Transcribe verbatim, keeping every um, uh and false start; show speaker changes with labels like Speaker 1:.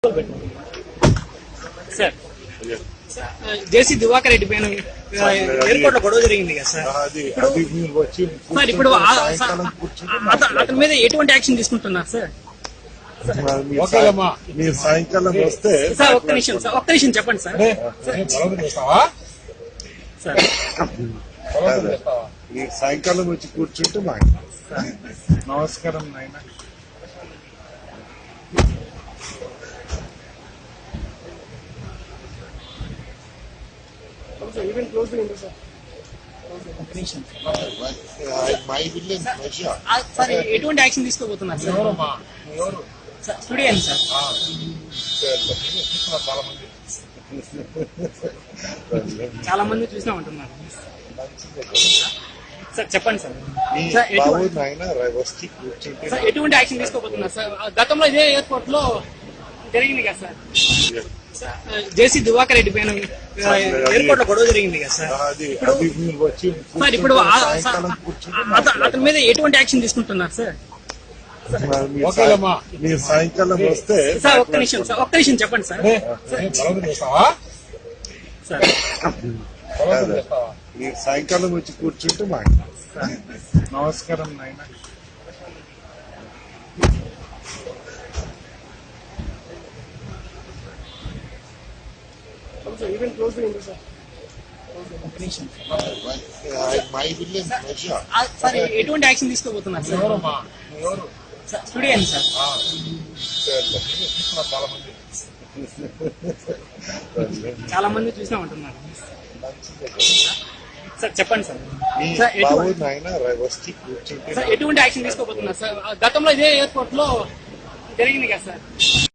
Speaker 1: Sir జేసీ దివాకర్ రెడ్డి పైన airport లో గొడవ జరిగింది కదా సార్. సార్ ఇప్పుడు అతని మీద ఎటువంటి యాక్షన్ తీసుకుంటున్నారు సార్?
Speaker 2: మీరు సాయంకాలం వస్తే
Speaker 1: సార్ ఒక్క నిమిషం సార్ ఒక్క నిమిషం చెప్పండి సార్. సార్
Speaker 2: మీరు సాయంకాలం వచ్చి కూర్చుంటే మాకు నమస్కారం నాయన.
Speaker 1: సార్ ఎటువంటి యాక్షన్ తీసుకోబోతున్నారు సార్? స్టూడియో సార్ చాలా మంది చూసినా ఉంటున్నారు సార్. చెప్పండి సార్. సార్ ఎటువంటి యాక్షన్ తీసుకోబోతున్నారు సార్? గతంలో ఇదే ఎయిర్పోర్ట్ లో జరిగింది కదా సార్. జేసీ దివాకర్ రెడ్డి పైన ఎయిర్పోర్ట్ లో గొడవ జరిగింది కదా సార్. సార్ ఇప్పుడు అతని మీద ఎటువంటి యాక్షన్ తీసుకుంటున్నారు సార్?
Speaker 2: మీరు సాయంకాలం వస్తే
Speaker 1: సార్ ఒక్క నిమిషం సార్ ఒక్క నిమిషం చెప్పండి సార్. సార్
Speaker 2: మీరు సాయంకాలం వచ్చి కూర్చుంటే మాకు నమస్కారం నాయన.
Speaker 1: సార్ ఎటువంటి యాక్షన్ తీసుకోబోతున్నారు సార్? స్టూడియో సార్ చాలా మంది చూసినా ఉంటున్నారు సార్. చెప్పండి సార్. సార్ ఎటువంటి యాక్షన్ తీసుకోబోతున్నారు సార్? గతంలో ఇదే ఎయిర్పోర్ట్ లో జరిగింది కదా సార్.